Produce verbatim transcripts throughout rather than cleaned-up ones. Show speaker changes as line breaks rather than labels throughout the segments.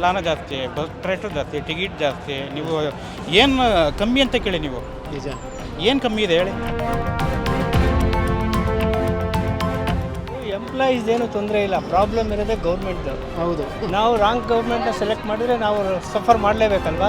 ಎಲ್ಲಾನು ಜಾಸ್ತಿ, bus rate ಜಾಸ್ತಿ, ಟಿಕೆಟ್ ಜಾಸ್ತಿ. ನೀವು ಏನು ಕಮ್ಮಿ ಅಂತ ಕೇಳಿ, ನೀವು
ನಿಜ
ಏನು ಕಮ್ಮಿ ಇದೆ ಹೇಳಿ?
ಎಂಪ್ಲಾಯೀಸ್ ಏನು ತೊಂದರೆ ಇಲ್ಲ, ಪ್ರಾಬ್ಲಮ್ ಇರೋದೇ ಗೌರ್ಮೆಂಟ್ದು.
ಹೌದು.
ನಾವು ರಾಂಗ್ ಗೌರ್ಮೆಂಟ್ನ ಸೆಲೆಕ್ಟ್ ಮಾಡಿದರೆ ನಾವು ಸಫರ್ ಮಾಡಲೇಬೇಕಲ್ವಾ?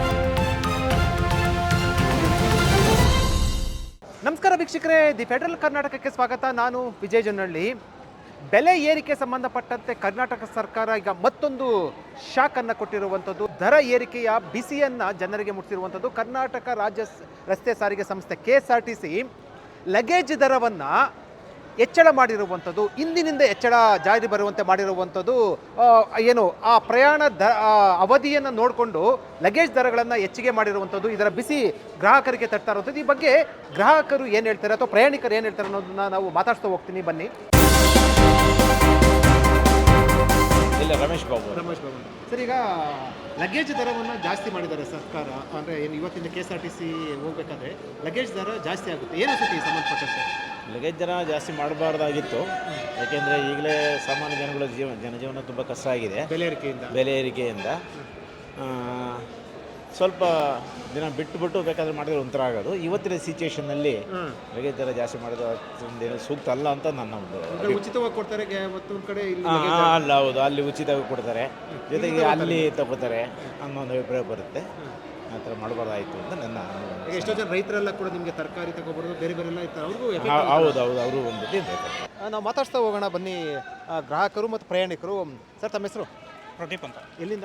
ನಮಸ್ಕಾರ ವೀಕ್ಷಕರೇ, ದಿ ಫೆಡರಲ್ ಕರ್ನಾಟಕಕ್ಕೆ ಸ್ವಾಗತ. ನಾನು ವಿಜಯ್ ಜೊನ್ನಳ್ಳಿ. ಬೆಲೆ ಏರಿಕೆ ಸಂಬಂಧಪಟ್ಟಂತೆ ಕರ್ನಾಟಕ ಸರ್ಕಾರ ಈಗ ಮತ್ತೊಂದು ಶಾಕನ್ನು ಕೊಟ್ಟಿರುವಂಥದ್ದು. ದರ ಏರಿಕೆಯ ಬಿಸಿಯನ್ನು ಜನರಿಗೆ ಮುಟ್ಟಿರುವಂಥದ್ದು. ಕರ್ನಾಟಕ ರಾಜ್ಯ ರಸ್ತೆ ಸಾರಿಗೆ ಸಂಸ್ಥೆ K S R T C luggage ದರವನ್ನು ಹೆಚ್ಚಳ ಮಾಡಿರುವಂಥದ್ದು, ಇಂದಿನಿಂದ ಹೆಚ್ಚಳ ಜಾರಿ ಬರುವಂತೆ ಮಾಡಿರುವಂಥದ್ದು. ಏನು ಆ ಪ್ರಯಾಣ ದ ಅವಧಿಯನ್ನು ನೋಡಿಕೊಂಡು ಲಗೇಜ್ ದರಗಳನ್ನು ಹೆಚ್ಚಿಗೆ ಮಾಡಿರುವಂಥದ್ದು. ಇದರ ಬಿಸಿ ಗ್ರಾಹಕರಿಗೆ ತಟ್ತಾ ಇರುವಂಥದ್ದು. ಈ ಬಗ್ಗೆ ಗ್ರಾಹಕರು ಏನು ಹೇಳ್ತಾರೆ ಅಥವಾ ಪ್ರಯಾಣಿಕರು ಏನು ಹೇಳ್ತಾರೆ ಅನ್ನೋದನ್ನ ನಾವು ಮಾತಾಡ್ತಾ ಹೋಗ್ತೀನಿ, ಬನ್ನಿ.
ಇಲ್ಲ, ರಮೇಶ್ ಬಾಬು.
ರಮೇಶ್ ಬಾಬು ಸರ್, ಈಗ ಲಗೇಜ್ ದರವನ್ನು ಜಾಸ್ತಿ ಮಾಡಿದ್ದಾರೆ ಸರ್ಕಾರ. ಅಂದರೆ ಏನು ಇವತ್ತಿನ K S R T C ಹೋಗ್ಬೇಕಾದ್ರೆ ಲಗೇಜ್ ದರ ಜಾಸ್ತಿ ಆಗುತ್ತೆ, ಏನು ಅನ್ಸುತ್ತೆ ಈ ಸಂಬಂಧಪಟ್ಟಂತೆ?
ಲಗೇಜ್ ದರ ಜಾಸ್ತಿ ಮಾಡಬಾರ್ದಾಗಿತ್ತು, ಯಾಕೆಂದರೆ ಈಗಲೇ ಸಾಮಾನ್ಯ ಜನಗಳ ಜೀವನ ಜನಜೀವನ ತುಂಬ ಕಷ್ಟ ಆಗಿದೆ
ಬೆಲೆ ಏರಿಕೆಯಿಂದ ಬೆಲೆ
ಬೆಲೆ ಏರಿಕೆಯಿಂದ. ಸ್ವಲ್ಪ ದಿನ ಬಿಟ್ಟು ಬಿಟ್ಟು ಬೇಕಾದರೆ ಮಾಡಿದ್ರೆ ಒಂಥರ ಆಗೋದು. ಇವತ್ತಿನ ಸಿಚುವೇಷನ್ನಲ್ಲಿ ಲಗೇಜ್ ದರ ಜಾಸ್ತಿ ಮಾಡೋದು ಅಷ್ಟೊಂದೇನು ಸೂಕ್ತ ಅಲ್ಲ ಅಂತ ನನ್ನ ಒಂದು.
ಉಚಿತವಾಗಿ ಕೊಡ್ತಾರೆ ಮತ್ತೊಂದು ಕಡೆ ಇಲ್ಲಿ
ಅಲ್ಲ, ಹೌದು, ಅಲ್ಲಿ ಉಚಿತವಾಗಿ ಕೊಡ್ತಾರೆ, ಜೊತೆಗೆ ಅಲ್ಲಿ ತಗೋತಾರೆ ಅನ್ನೋ ಒಂದು ಅಭಿಪ್ರಾಯ ಬರುತ್ತೆ. ಆ ಥರ ಮಾಡಬಾರ್ದಾಯಿತು ಅಂತ ನನ್ನ.
ಎಷ್ಟೋ ಜನ ರೈತರೆಲ್ಲ ಕೂಡ ನಿಮಗೆ ತರಕಾರಿ ತಗೊಬರೋದು ಬೇರೆ ಬೇರೆಲ್ಲ ಇರ್ತಾರೆ, ಅವ್ರಿಗೂ
ಹೌದು ಹೌದು ಅವರು ಒಂದು
ನಾವು ಮಾತಾಡ್ತಾ ಹೋಗೋಣ ಬನ್ನಿ. ಗ್ರಾಹಕರು ಮತ್ತು ಪ್ರಯಾಣಿಕರು. ಸರ್, ತಮ್ಮ ಹೆಸರು?
ಪ್ರದೀಪ್ ಅಂತ.
ಎಲ್ಲಿಂದ?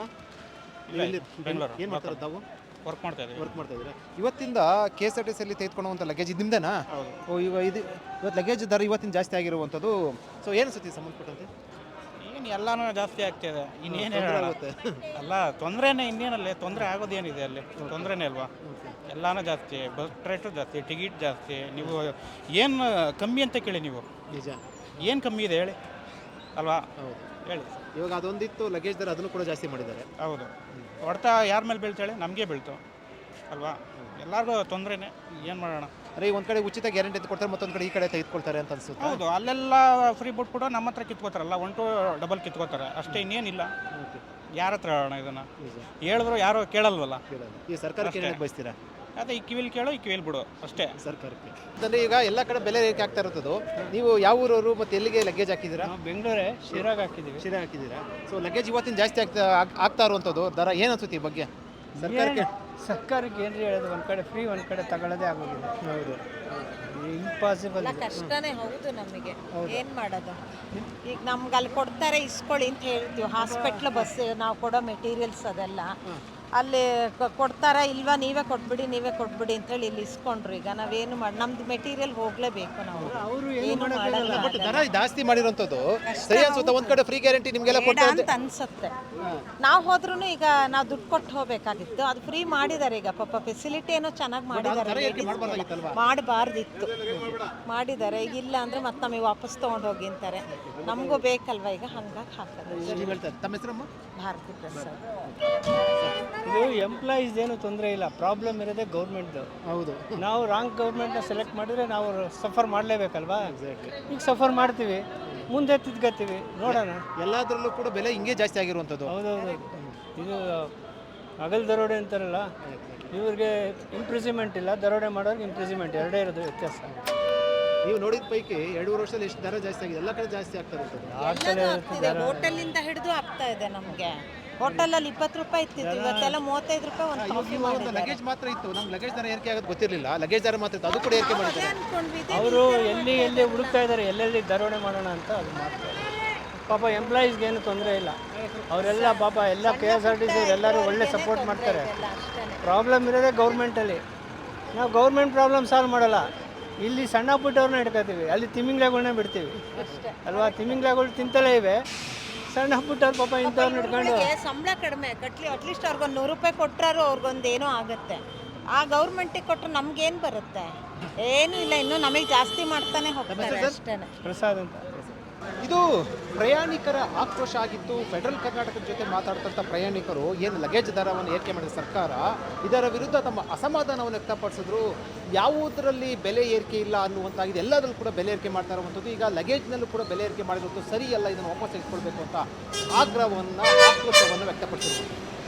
ಬೆಂಗಳೂರು.
ಏನು ಮಾಡ್ತಾರೆ ತಾವು?
ವರ್ಕ್ ಮಾಡ್ತಾ ಇದ್ದೀವಿ.
ವರ್ಕ್ ಮಾಡ್ತಾ ಇದ್ದೀರಾ? ಇವತ್ತಿಂದ ಕೆ ಎಸ್ ಆರ್ ಟಿ ಸಿಯಲ್ಲಿ ತೆಗೆದುಕೊಳ್ಳುವಂಥ ಲಗೇಜ್ ಇದು ನಿಮ್ದೇನಾ? ಓ, ಇವ ಇದು ಇವತ್ತು ಲಗೇಜ್ ದರ ಇವತ್ತಿನ ಜಾಸ್ತಿ ಆಗಿರುವಂಥದ್ದು. ಸೊ ಏನು ಸತಿ ಸಂಬಂಧಪಟ್ಟಂತೆ?
ಏನು ಎಲ್ಲಾನು ಜಾಸ್ತಿ ಆಗ್ತಿದೆ, ಇನ್ನೇನು ಹೇಳುತ್ತೆ? ಅಲ್ಲ, ತೊಂದರೆನೇ, ಇನ್ನೇನಲ್ಲಿ ತೊಂದರೆ ಆಗೋದೇನಿದೆ? ಅಲ್ಲಿ ತೊಂದರೆನೇ ಅಲ್ವಾ? ಎಲ್ಲಾನು ಜಾಸ್ತಿ, ಬಸ್ ರೇಟು ಜಾಸ್ತಿ, ಟಿಕೆಟ್ ಜಾಸ್ತಿ. ನೀವು ಏನು ಕಮ್ಮಿ ಅಂತ ಕೇಳಿ, ನೀವು
ನಿಜ
ಏನು ಕಮ್ಮಿ ಇದೆ ಹೇಳಿ ಅಲ್ವಾ?
ಹೌದು,
ಹೇಳಿ.
ಇವಾಗ ಅದೊಂದಿತ್ತು ಲಗೇಜ್ ದರ, ಅದನ್ನು ಕೂಡ ಜಾಸ್ತಿ ಮಾಡಿದ್ದಾರೆ.
ಹೌದು, ಹೊಡ್ತಾ ಯಾರ ಮೇಲೆ ಬೀಳ್ತಾಳೆ? ನಮಗೆ ಬೀಳ್ತು ಅಲ್ವಾ? ಎಲ್ಲರಿಗೂ ತೊಂದರೆನೇ, ಏನು ಮಾಡೋಣ?
ಅರೆ, ಒಂದು ಕಡೆ ಉಚಿತ ಗ್ಯಾರಂಟಿ ಅಂತ ಕೊಡ್ತಾರೆ, ಮತ್ತೊಂದು ಕಡೆ ಈ ಕಡೆ ತೆಗೆದುಕೊಳ್ತಾರೆ ಅಂತ ಅನ್ಸುತ್ತೆ.
ಹೌದು, ಅಲ್ಲೆಲ್ಲ ಫ್ರೀ ಬಿಟ್ಬಿಟ್ಟು ನಮ್ಮ ಹತ್ರ ಕಿತ್ಕೋತಾರಲ್ಲ, ಒನ್ ಟು ಡಬಲ್ ಕಿತ್ಕೋತಾರೆ ಅಷ್ಟೇ, ಇನ್ನೇನಿಲ್ಲ. ಯಾರ ಹತ್ರ ಹೇಳೋಣ ಇದನ್ನು? ಹೇಳಿದ್ರು ಯಾರು ಕೇಳಲ್ವಲ್ಲ.
ಈ ಸರ್ಕಾರಕ್ಕೆ ಏನು ಬಯಸ್ತೀರಾ?
ಅದೇ, ಈ ಕಿವಿಲ್ ಕೇಳೋ, ಈ ಕಿವಿಲ್ ಬಿಡು ಅಷ್ಟೇ.
ಸರ್ಕಾರಕ್ಕೆ ಅಂದರೆ ಈಗ ಎಲ್ಲ ಕಡೆ ಬೆಲೆ ಏರಿಕೆ ಆಗ್ತಾ ಇರೋದು. ನೀವು ಯಾವ ಊರವರು ಮತ್ತು ಎಲ್ಲಿಗೆ ಲಗೇಜ್ ಹಾಕಿದ್ದೀರಾ?
ನಾವು ಬೆಂಗಳೂರೇ, ಶಿರಾಗ ಹಾಕಿದ್ದೀವಿ.
ಶಿರಾ ಹಾಕಿದ್ದೀರಾ? ಸೊ ಲಗೇಜ್ ಇವತ್ತಿನ ಜಾಸ್ತಿ ಆಗ್ತಾ ಆಗ್ತಾ ಇರುವಂಥದ್ದು ದರ ಏನು ಅನ್ಸುತ್ತೆ ಈ ಬಗ್ಗೆ ಸರ್ಕಾರಕ್ಕೆ?
ಸರ್ಕಾರಕ್ಕೆ ಏನು ಹೇಳೋದು? ಒಂದು ಕಡೆ ಫ್ರೀ, ಒಂದು ಕಡೆ ತಗೊಳ್ಳೋದೇ ಆಗೋಗಿದೆ.
ಹೌದು,
ಇಂಪಾಸಿಬಲ್.
ಕಷ್ಟನೇ ಹೌದು ನಮಗೆ, ಏನು ಮಾಡೋದು? ಈಗ ನಮ್ಗೆ ಅಲ್ಲಿ ಕೊಡ್ತಾರೆ, ಇಸ್ಕೊಳ್ಳಿ ಅಂತ ಹೇಳ್ತೀವಿ. ಹಾಸ್ಪಿಟ್ಲ್ ಬಸ್ ನಾವು ಕೊಡೋ ಮೆಟೀರಿಯಲ್ಸ್ ಅದೆಲ್ಲ ಅಲ್ಲಿ ಕೊಡ್ತಾರ, ಇಲ್ವಾ ನೀವೇ ಕೊಟ್ಬಿಡಿ ನೀವೇ ಕೊಟ್ಬಿಡಿ ಅಂತೇಳಿ ಇಲ್ಲಿ ಇಸ್ಕೊಂಡ್ರು. ಈಗ ನಾವೇನು ಮಾಡಿ, ನಮ್ದು ಮೆಟೀರಿಯಲ್ ಹೋಗ್ಲೇಬೇಕು. ನಾವು
ಅವರು
ಏನು ಮಾಡಲ್ಲ.
ಬಟ್ ದರ ಜಾಸ್ತಿ ಮಾಡಿರೋಂಥದ್ದು ಸರಿ ಅನ್ಸುತ್ತೆ. ಒಂದು ಕಡೆ ಫ್ರೀ ಗ್ಯಾರಂಟಿ ನಿಮಗೆಲ್ಲ ಕೊಡ್ತಾರೆ
ಅಂತ ಅನ್ಸುತ್ತೆ. ನಾವು ಹೋದ್ರೂ ಈಗ ನಾವು ದುಡ್ಡು ಕೊಟ್ಟು ಹೋಗ್ಬೇಕಾಗಿತ್ತು, ಅದು ಫ್ರೀ ಮಾಡಿದ್ದಾರೆ. ಈಗ ಪಾಪ ಫೆಸಿಲಿಟಿ ಏನೋ ಚೆನ್ನಾಗಿ ಮಾಡಿದ್ದಾರೆ, ಮಾಡಬಾರ್ದಿತ್ತು, ಮಾಡಿದ್ದಾರೆ. ಈಗ ಇಲ್ಲ ಅಂದರೆ ಮತ್ತೆ ನಮಗೆ ವಾಪಸ್ ತೊಗೊಂಡು ಹೋಗಿ ಅಂತಾರೆ. ನಮಗೂ ಬೇಕಲ್ವ ಈಗ, ಹಂಗಾಗಿ ಹಾಕೋದು.
ತಮ್ಮ ಹೆಸರಮ್ಮ?
ಭಾರತಿ ಪ್ರಸಾದ್.
ಇದು ಎಂಪ್ಲಾಯೀಸ್ ಏನು ತೊಂದರೆ ಇಲ್ಲ, ಪ್ರಾಬ್ಲಮ್ ಇರೋದೇ ಗೌರ್ಮೆಂಟ್ದು.
ಹೌದು,
ನಾವು ರಾಂಗ್ ಗೌರ್ಮೆಂಟ್ನ ಸೆಲೆಕ್ಟ್ ಮಾಡಿದರೆ ನಾವು ಸಫರ್ ಮಾಡಲೇಬೇಕಲ್ವಾ? ಈಗ ಸಫರ್ ಮಾಡ್ತೀವಿ, ಮುಂದೆ ತಿದ್ಕೋತೀವಿ, ನೋಡೋಣ.
ಎಲ್ಲದರಲ್ಲೂ ಕೂಡ ಬೆಲೆ ಹಿಂಗೆ ಜಾಸ್ತಿ ಆಗಿರುವಂಥದ್ದು.
ಹೌದೌದು, ಇದು ಹಗಲ್ ದರೋಡೆ ಅಂತಾರಲ್ಲ, ಇವ್ರಿಗೆ ಇಂಪ್ರಿಸಿಮೆಂಟ್ ಇಲ್ಲ, ದರೋಡೆ ಮಾಡೋರಿಗೆ ಇಂಪ್ರಿಸಿಮೆಂಟ್, ಎರಡೇ ಇರೋದು ವ್ಯತ್ಯಾಸ.
ನೀವು ನೋಡಿದ ಪೈಕಿ ಎರಡೂವರೆ ವರ್ಷದಲ್ಲಿ ಎಷ್ಟು ದರ ಜಾಸ್ತಿ ಆಗಿದೆ? ಎಲ್ಲ ಕಡೆ ಜಾಸ್ತಿ ಆಗ್ತಾ ಇರ್ತದೆ.
ಹೋಟೆಲಿಂದ ಹಿಡಿದು ಆಗ್ತಾ ಇದೆ ನಮಗೆ. ಹೋಟೆಲಲ್ಲಿ ಇಪ್ಪತ್ತು ರೂಪಾಯಿ ಇರ್ತಿತ್ತು, ಇವತ್ತೆಲ್ಲ ಮೂವತ್ತೈದು ರೂಪಾಯಿ ಒಂದು ಕಾಫಿ
ಒಂದು ಲಗೇಜ್ ಮಾತ್ರ ಇತ್ತು. ನಮ್ಗೆ ಲಗೇಜ್ ದರ ಏರಿಕೆ ಆಗೋದು ಗೊತ್ತಿರಲಿಲ್ಲ. ಲಗೇಜ್ ದರ ಮಾತ್ರ ಇತ್ತು, ಅದು ಕೂಡ ಏರಿಕೆ ಮಾಡಿದ್ದಾರೆ.
ಅವರು ಎಲ್ಲಿ ಎಲ್ಲಿ ಹುಡುಕ್ತಾ ಇದ್ದಾರೆ, ಎಲ್ಲೆಲ್ಲಿ ದರೋಡೆ ಮಾಡೋಣ ಅಂತ ಅದು ಮಾಡ್ತಾರೆ. ಪಾಪ ಎಂಪ್ಲಾಯೀಸ್ಗೆ ಏನು ತೊಂದರೆ ಇಲ್ಲ, ಅವರೆಲ್ಲ ಪಾಪ ಎಲ್ಲ K S R T C ಎಲ್ಲರೂ ಒಳ್ಳೆ ಸಪೋರ್ಟ್ ಮಾಡ್ತಾರೆ. ಪ್ರಾಬ್ಲಮ್ ಇರೋದೇ ಗೌರ್ಮೆಂಟಲ್ಲಿ. ನಾವು ಗೌರ್ಮೆಂಟ್ ಪ್ರಾಬ್ಲಮ್ ಸಾಲ್ವ್ ಮಾಡಲ್ಲ, ಇಲ್ಲಿ ಸಣ್ಣ ಪುಟ್ಟವ್ರನ್ನ ಹಿಡ್ಕೋತೀವಿ, ಅಲ್ಲಿ ತಿಮಿಂಗ್ಲಾಗಳನ್ನ ಬಿಡ್ತೀವಿ ಅಲ್ವಾ? ತಿಮಿಂಗ್ಲಾಗಳು ತಿಂತಲೇ ಇವೆ, ಸಣ್ಣ ಪುಟ್ಟವ್ರು ಪಾಪ ಇಂಥವ್ರನ್ನ ಹಿಡ್ಕೊಂಡು.
ಸಂಬಳ ಕಡಿಮೆ ಕಟ್ಲಿ, ಅಟ್ಲೀಸ್ಟ್ ಅವ್ರಿಗೊಂದು ನೂರು ರೂಪಾಯಿ ಕೊಟ್ಟರು ಅವ್ರಿಗೊಂದು ಏನೋ ಆಗುತ್ತೆ. ಆ ಗೌರ್ಮೆಂಟಿಗೆ ಕೊಟ್ಟರೆ ನಮ್ಗೇನು ಬರುತ್ತೆ? ಏನೂ ಇಲ್ಲ, ಇನ್ನೂ ನಮಗೆ ಜಾಸ್ತಿ ಮಾಡ್ತಾನೆ ಹೋಗ್ತಾರೆ ಅಷ್ಟೇ.
ಪ್ರಸಾದ್ ಅಂತ.
ಇದು ಪ್ರಯಾಣಿಕರ ಆಕ್ರೋಶ ಆಗಿತ್ತು. ಫೆಡರಲ್ ಕರ್ನಾಟಕದ ಜೊತೆ ಮಾತಾಡ್ತಂಥ ಪ್ರಯಾಣಿಕರು ಏನು ಲಗೇಜ್ ದರವನ್ನು ಏರಿಕೆ ಮಾಡಿದ ಸರ್ಕಾರ, ಇದರ ವಿರುದ್ಧ ತಮ್ಮ ಅಸಮಾಧಾನವನ್ನು ವ್ಯಕ್ತಪಡಿಸಿದ್ರು. ಯಾವುದರಲ್ಲಿ ಬೆಲೆ ಏರಿಕೆ ಇಲ್ಲ ಅನ್ನುವಂತಾಗಿದೆ, ಎಲ್ಲದರಲ್ಲೂ ಕೂಡ ಬೆಲೆ ಏರಿಕೆ ಮಾಡ್ತಾ ಇರುವಂಥದ್ದು. ಈಗ ಲಗೇಜ್ನಲ್ಲೂ ಕೂಡ ಬೆಲೆ ಏರಿಕೆ ಮಾಡಿರುವಂಥದ್ದು ಸರಿಯಲ್ಲ, ಇದನ್ನು ವಾಪಸ್ ತೆಗೆದುಕೊಳ್ಬೇಕು ಅಂತ ಆಗ್ರಹವನ್ನು ಆಕ್ರೋಶವನ್ನು ವ್ಯಕ್ತಪಡಿಸಿದ್ರು.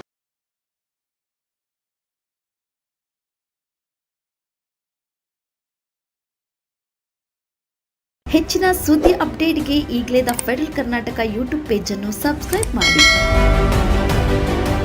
ಹೆಚ್ಚಿನ ಸುದ್ದಿ ಅಪ್ಡೇಟ್ಗೆ ಈಗಲೇ ದ ಫೆಡರಲ್ ಕರ್ನಾಟಕ ಯೂಟ್ಯೂಬ್ ಪೇಜನ್ನು ಸಬ್ಸ್ಕ್ರೈಬ್ ಮಾಡಿ.